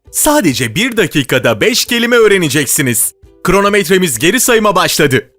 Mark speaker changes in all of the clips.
Speaker 1: Sadece 1 dakikada 5 kelime öğreneceksiniz. Kronometremiz geri sayıma başladı.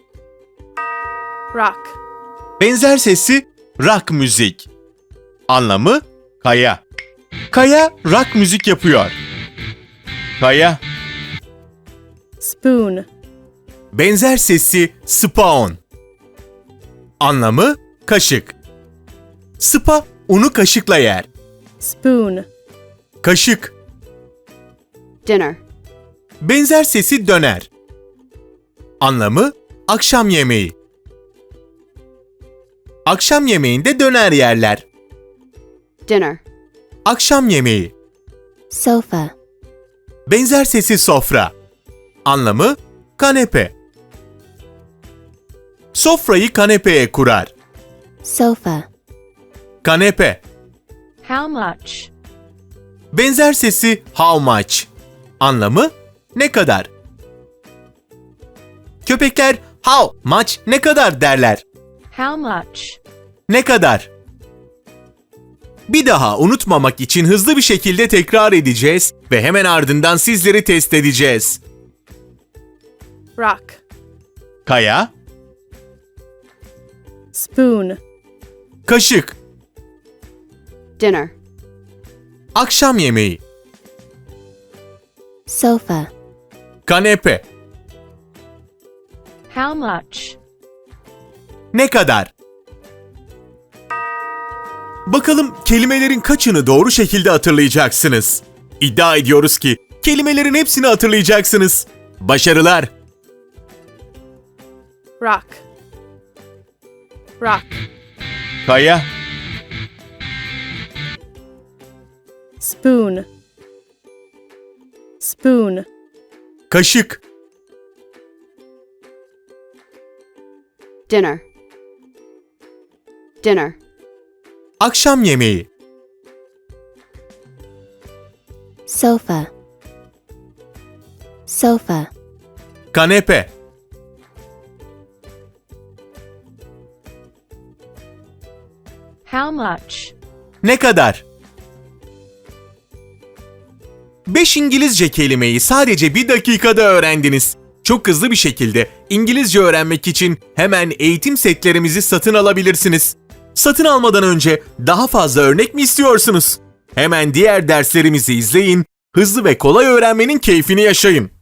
Speaker 2: Rock.
Speaker 1: Benzer sesi rock müzik. Anlamı kaya. Kaya rock müzik yapıyor. Kaya.
Speaker 2: Spoon.
Speaker 1: Benzer sesi spoon. Anlamı kaşık. Spa unu kaşıkla yer.
Speaker 2: Spoon.
Speaker 1: Kaşık.
Speaker 3: Dinner.
Speaker 1: Benzer sesi döner. Anlamı akşam yemeği. Akşam yemeğinde döner yerler.
Speaker 3: Dinner.
Speaker 1: Akşam yemeği.
Speaker 4: Sofa.
Speaker 1: Benzer sesi sofra. Anlamı kanepe. Sofrayı kanepeye kurar.
Speaker 4: Sofa.
Speaker 1: Kanepe.
Speaker 2: How much?
Speaker 1: Benzer sesi how much. Anlamı ne kadar. Köpekler how much ne kadar derler.
Speaker 2: How much?
Speaker 1: Ne kadar. Bir daha unutmamak için hızlı bir şekilde tekrar edeceğiz ve hemen ardından sizleri test edeceğiz.
Speaker 2: Rock.
Speaker 1: Kaya,
Speaker 2: Spoon.
Speaker 1: kaşık,
Speaker 3: Dinner.
Speaker 1: akşam yemeği,
Speaker 4: Sofa.
Speaker 1: kanepe,
Speaker 2: How much?
Speaker 1: ne kadar. Bakalım kelimelerin kaçını doğru şekilde hatırlayacaksınız. İddia ediyoruz ki kelimelerin hepsini hatırlayacaksınız. Başarılar.
Speaker 2: Rock. Rock.
Speaker 1: Kaya,
Speaker 2: Spoon. Spoon.
Speaker 1: kaşık,
Speaker 3: Dinner. Dinner.
Speaker 1: akşam yemeği,
Speaker 4: Sofa. Sofa.
Speaker 1: kanepe,
Speaker 2: How much?
Speaker 1: ne kadar. 5 İngilizce kelimeyi sadece 1 dakikada öğrendiniz. Çok hızlı bir şekilde İngilizce öğrenmek için hemen eğitim setlerimizi satın alabilirsiniz. Satın almadan önce daha fazla örnek mi istiyorsunuz? Hemen diğer derslerimizi izleyin, hızlı ve kolay öğrenmenin keyfini yaşayın.